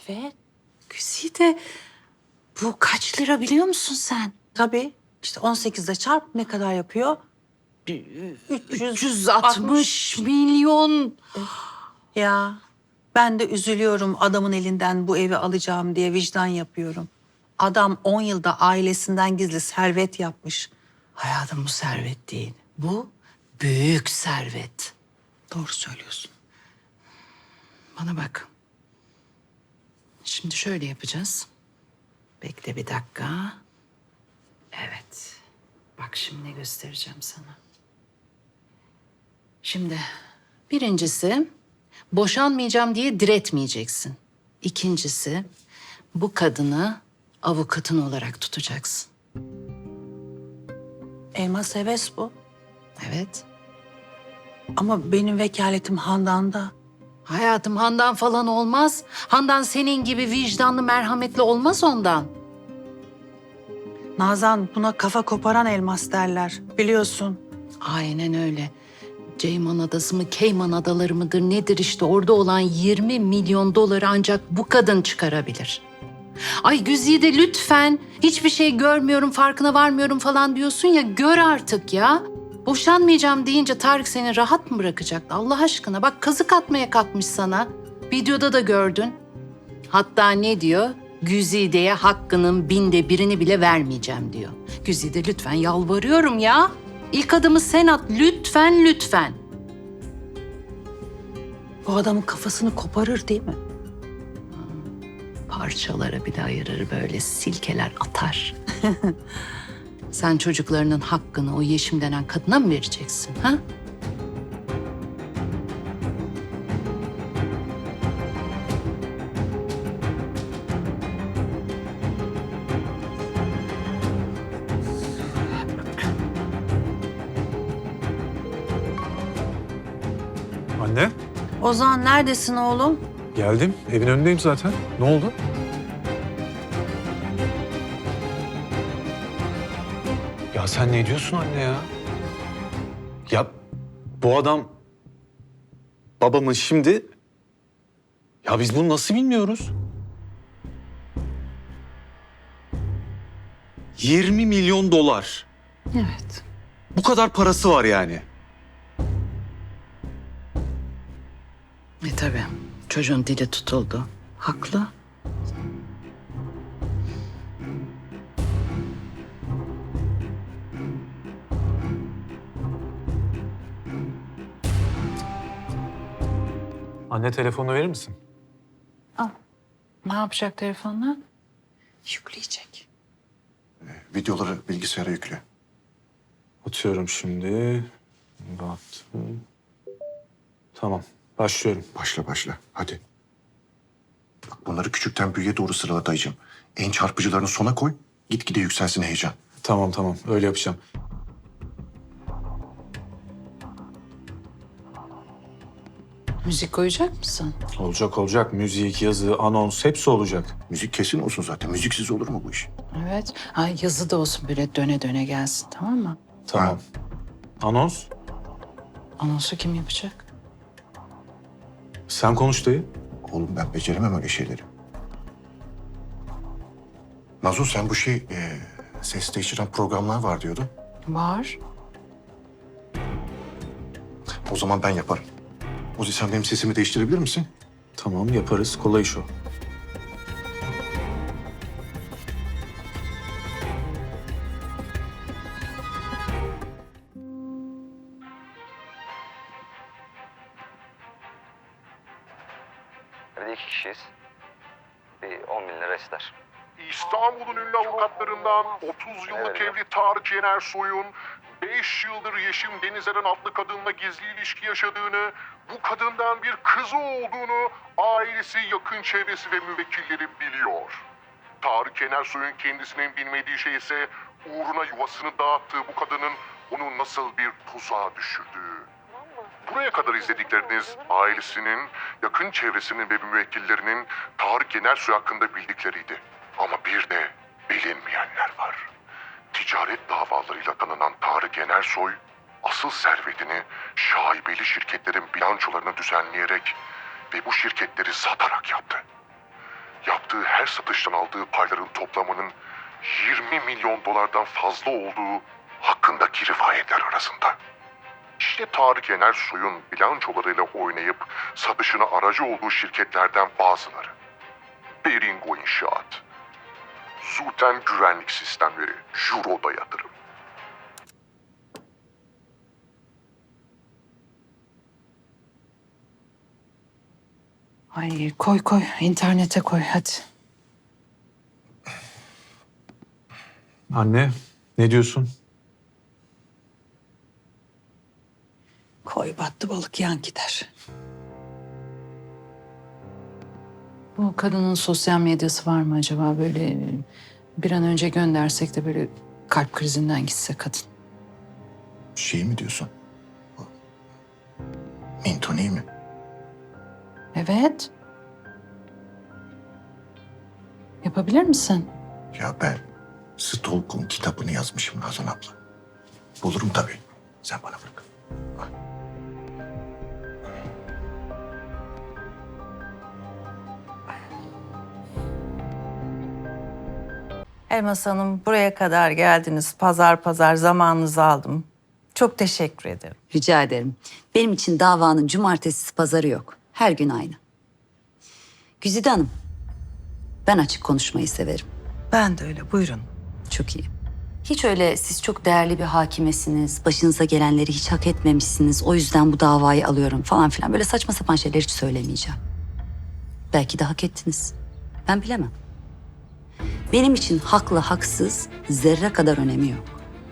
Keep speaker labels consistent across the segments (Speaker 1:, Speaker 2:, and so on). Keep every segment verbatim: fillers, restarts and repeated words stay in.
Speaker 1: Evet. Güzide, bu kaç lira biliyor musun sen?
Speaker 2: Tabii. İşte on sekizde çarp ne kadar yapıyor?
Speaker 1: üç yüz altmış milyon.
Speaker 2: Ya ben de üzülüyorum adamın elinden bu evi alacağım diye vicdan yapıyorum. Adam on yılda ailesinden gizli servet yapmış.
Speaker 1: Hayatım, bu servet değil. Bu büyük servet.
Speaker 2: Doğru söylüyorsun.
Speaker 1: Bana bak. Şimdi şöyle yapacağız. Bekle bir dakika. Evet. Bak şimdi ne göstereceğim sana. Şimdi birincisi, boşanmayacağım diye diretmeyeceksin. İkincisi, bu kadını avukatın olarak tutacaksın.
Speaker 2: Elmas heves bu.
Speaker 1: Evet.
Speaker 2: Ama benim vekaletim Handan'da.
Speaker 1: Hayatım, Handan falan olmaz. Handan senin gibi vicdanlı, merhametli olmaz ondan.
Speaker 2: Nazan buna kafa koparan elmas derler. Biliyorsun.
Speaker 1: Aynen öyle. Ceyman Adası mı, Cayman Adaları mıdır nedir işte, orada olan yirmi milyon doları ancak bu kadın çıkarabilir. Ay Güzide, lütfen, hiçbir şey görmüyorum, farkına varmıyorum falan diyorsun ya, gör artık ya. Boşanmayacağım deyince Tarık seni rahat mı bırakacaktı Allah aşkına? Bak, kazık atmaya kalkmış sana. Videoda da gördün. Hatta ne diyor? Güzide'ye hakkının binde birini bile vermeyeceğim diyor. Güzide, lütfen yalvarıyorum ya. İlk adımı sen at, lütfen lütfen.
Speaker 2: Bu adamın kafasını koparır değil mi?
Speaker 1: Parçalara bile ayırır, böyle silkeler atar. Sen çocuklarının hakkını o Yeşim denen kadına mı vereceksin, ha?
Speaker 3: Anne,
Speaker 2: Ozan neredesin oğlum?
Speaker 3: geldim. Evin önündeyim zaten. Ne oldu? Ya sen ne diyorsun anne ya? Ya bu adam babamın şimdi... Ya biz bunu nasıl bilmiyoruz? yirmi milyon dolar.
Speaker 1: Evet.
Speaker 3: Bu kadar parası var yani.
Speaker 1: E tabii, çocuğun dili tutuldu. Haklı.
Speaker 3: Anne telefonunu verir misin?
Speaker 1: Ne yapacak telefonla?
Speaker 2: Yükleyecek.
Speaker 4: Videoları bilgisayara yükle.
Speaker 3: Atıyorum şimdi. Baktım. Tamam, başlıyorum.
Speaker 4: Başla başla. Hadi. Bak bunları küçükten büyüğe doğru sırala dayıcığım. En çarpıcılarını sona koy. Gitgide yükselsin heyecan.
Speaker 3: Tamam tamam, öyle yapacağım.
Speaker 1: Müzik koyacak mısın?
Speaker 3: Olacak olacak. Müzik, yazı, anons hepsi olacak.
Speaker 4: Müzik kesin olsun zaten. Müziksiz olur mu bu iş?
Speaker 1: Evet. Ay, yazı da olsun, böyle döne döne gelsin, tamam mı?
Speaker 3: Tamam. Anons?
Speaker 1: Anonsu kim yapacak?
Speaker 3: Sen konuş dayı.
Speaker 4: Oğlum ben beceremem öyle şeyleri. Nazo sen bu şey e, ses değiştiren programlar var diyordun.
Speaker 1: Var.
Speaker 4: O zaman ben yaparım. Ozi sen benim sesimi değiştirebilir misin?
Speaker 3: Tamam, yaparız. Kolay iş o.
Speaker 5: Evde iki kişiyiz. Bir on bin lira ister.
Speaker 6: İstanbul'un ünlü avukatlarından otuz yıllık
Speaker 5: Evet.
Speaker 6: evli Tarık Yener Soy'un beş yıldır Yeşim Denizeren adlı kadınla gizli ilişki yaşadığını, bu kadından bir kızı olduğunu ailesi, yakın çevresi ve müvekkilleri biliyor. Tarık Yener Soy'un kendisinin bilmediği şey ise uğruna yuvasını dağıttığı bu kadının onu nasıl bir tuzağa düşürdüğü. Buraya kadar izledikleriniz ailesinin, yakın çevresinin ve müvekkillerinin Tarık Yenersoy hakkında bildikleriydi. Ama bir de bilinmeyenler var. Ticaret davalarıyla tanınan Tarık Yenersoy, asıl servetini şaibeli şirketlerin bilançolarını düzenleyerek ve bu şirketleri satarak yaptı. yaptığı her satıştan aldığı payların toplamının yirmi milyon dolardan fazla olduğu hakkındaki rivayetler arasında. İşte Tarık Yenersoy'un bilançolarıyla oynayıp satışına aracı olduğu şirketlerden bazıları. Beringo İnşaat, Zuten Güvenlik Sistemleri, Juro'da Yatırım.
Speaker 2: Ay koy koy internete koy hadi.
Speaker 3: Anne, ne diyorsun?
Speaker 2: Koy battı balık yan gider.
Speaker 1: Bu kadının sosyal medyası var mı acaba? Böyle bir an önce göndersek de böyle kalp krizinden gitse kadın.
Speaker 4: Şey mi diyorsun? Mintoni mi?
Speaker 1: Evet. Yapabilir misin?
Speaker 4: Ya ben Stalk'un kitabını yazmışım Nazan abla. Bulurum tabii. Sen bana bırak.
Speaker 2: Elmas Hanım buraya kadar geldiniz. Pazar pazar zamanınızı aldım. Çok teşekkür ederim.
Speaker 7: Rica ederim. Benim için davanın cumartesi pazarı yok. Her gün aynı. Güzide Hanım, ben açık konuşmayı severim.
Speaker 2: Ben de öyle buyurun.
Speaker 7: Çok iyi. Hiç öyle siz çok değerli bir hakimesiniz, başınıza gelenleri hiç hak etmemişsiniz, o yüzden bu davayı alıyorum falan filan. Böyle saçma sapan şeyler hiç söylemeyeceğim. Belki de hak ettiniz. Ben bilemem. Benim için haklı haksız zerre kadar önemi yok.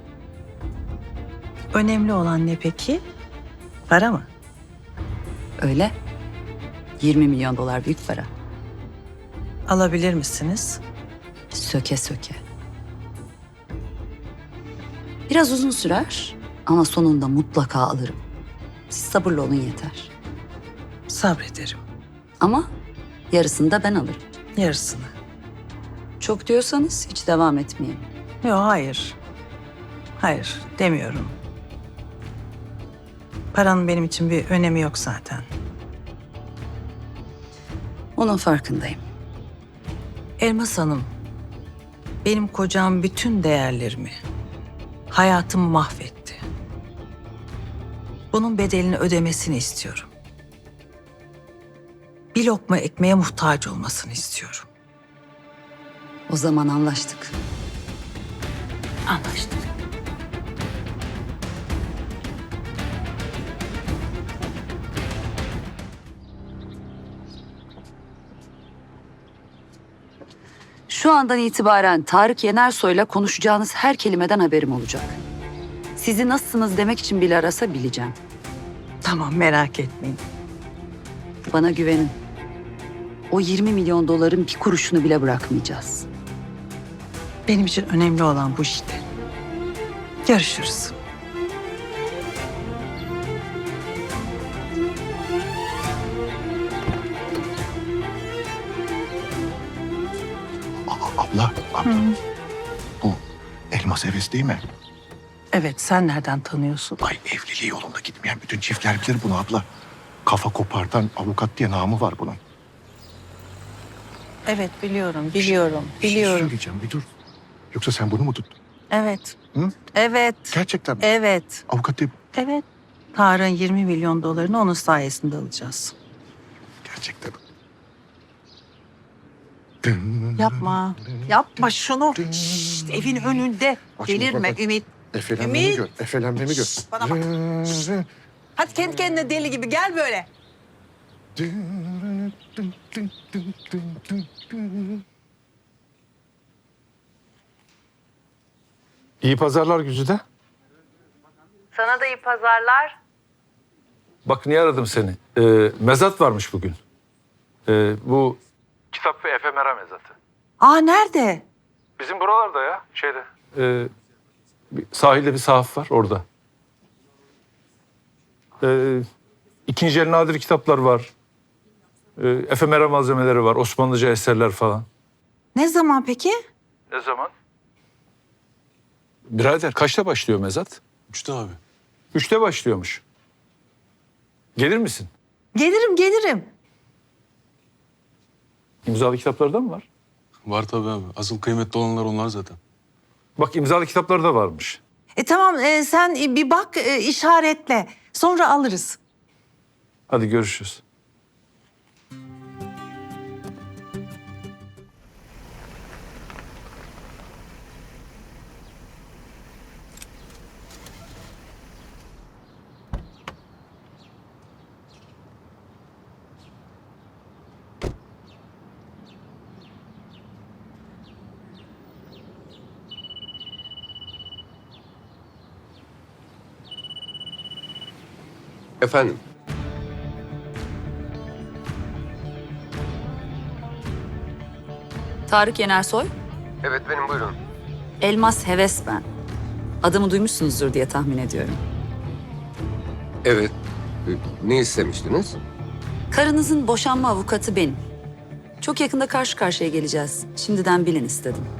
Speaker 2: Önemli olan ne peki? Para mı?
Speaker 7: Öyle. yirmi milyon dolar büyük para.
Speaker 2: Alabilir misiniz?
Speaker 7: Söke söke. Biraz uzun sürer ama sonunda mutlaka alırım. Siz sabırlı olun yeter.
Speaker 2: Sabrederim.
Speaker 7: Ama yarısını da ben alırım.
Speaker 2: Yarısını.
Speaker 7: Çok diyorsanız hiç devam etmeyelim.
Speaker 2: Yok hayır. Hayır demiyorum. Paranın benim için bir önemi yok zaten.
Speaker 7: Onun farkındayım.
Speaker 2: Elmas Hanım, benim kocam bütün değerlerimi, hayatımı mahvetti. Bunun bedelini ödemesini istiyorum. Bir lokma ekmeğe muhtaç olmasını istiyorum.
Speaker 7: O zaman anlaştık.
Speaker 2: Anlaştık.
Speaker 7: Şu andan itibaren Tarık Yenersoy'la konuşacağınız her kelimeden haberim olacak. Sizi nasılsınız demek için bile arasa bileceğim.
Speaker 2: Tamam merak etmeyin.
Speaker 7: Bana güvenin. O yirmi milyon doların bir kuruşunu bile bırakmayacağız.
Speaker 2: Benim için önemli olan bu işte. Görüşürüz.
Speaker 4: Aa, abla, abla. Bu elmas heves değil mi?
Speaker 2: Evet sen nereden tanıyorsun?
Speaker 4: Ay evliliği yolunda gitmeyen bütün çiftler bilir bunu abla. Kafa kopartan avukat diye namı var bunun.
Speaker 2: Evet biliyorum, biliyorum,
Speaker 4: Bir şey
Speaker 2: biliyorum.
Speaker 4: söyleyeceğim bir dur. Yoksa sen bunu mu tuttun?
Speaker 2: Evet,
Speaker 4: Hı?
Speaker 2: evet,
Speaker 4: Gerçekten mi?
Speaker 2: evet,
Speaker 4: Avukat değil bu.
Speaker 2: evet. Tarık'ın yirmi milyon dolarını onun sayesinde alacağız.
Speaker 4: Gerçekten.
Speaker 2: Yapma, yapma şunu. Şşt, evin önünde.
Speaker 4: Açma,
Speaker 2: Delirme
Speaker 4: bak.
Speaker 2: Ümit.
Speaker 4: Efelenmemi
Speaker 2: Ümit.
Speaker 4: gör. Efelenmemi gör.
Speaker 2: Bana bak. Hadi kendi kendine deli gibi gel böyle.
Speaker 3: İyi pazarlar Güzide.
Speaker 2: Sana da iyi pazarlar.
Speaker 8: Bak niye aradım seni? Ee, mezat varmış bugün. Ee, bu kitap ve efemera mezatı.
Speaker 2: Aa nerede?
Speaker 8: Bizim buralarda ya şeyde. Ee, bir, sahilde bir sahaf var orada. Ee, ikinci el nadir kitaplar var. Ee, efemera malzemeleri var. Osmanlıca eserler falan.
Speaker 2: Ne zaman peki?
Speaker 8: Ne zaman? Birader kaçta başlıyor mezat?
Speaker 3: Üçte abi.
Speaker 8: Üçte başlıyormuş. Gelir misin?
Speaker 2: Gelirim, gelirim.
Speaker 8: İmzalı kitaplarda mı var?
Speaker 9: Var tabii abi. Asıl kıymetli olanlar onlar zaten.
Speaker 8: Bak imzalı kitapları da varmış.
Speaker 2: E tamam e, sen bir bak e, işaretle. Sonra alırız.
Speaker 8: Hadi görüşürüz.
Speaker 10: Efendim?
Speaker 7: Tarık Yenersoy,
Speaker 10: Evet benim buyurun.
Speaker 7: Elmas Heves ben. Adımı duymuşsunuzdur diye tahmin ediyorum.
Speaker 10: Evet. Ee, Ne istemiştiniz?
Speaker 7: Karınızın boşanma avukatı benim. Çok yakında karşı karşıya geleceğiz. Şimdiden bilin istedim.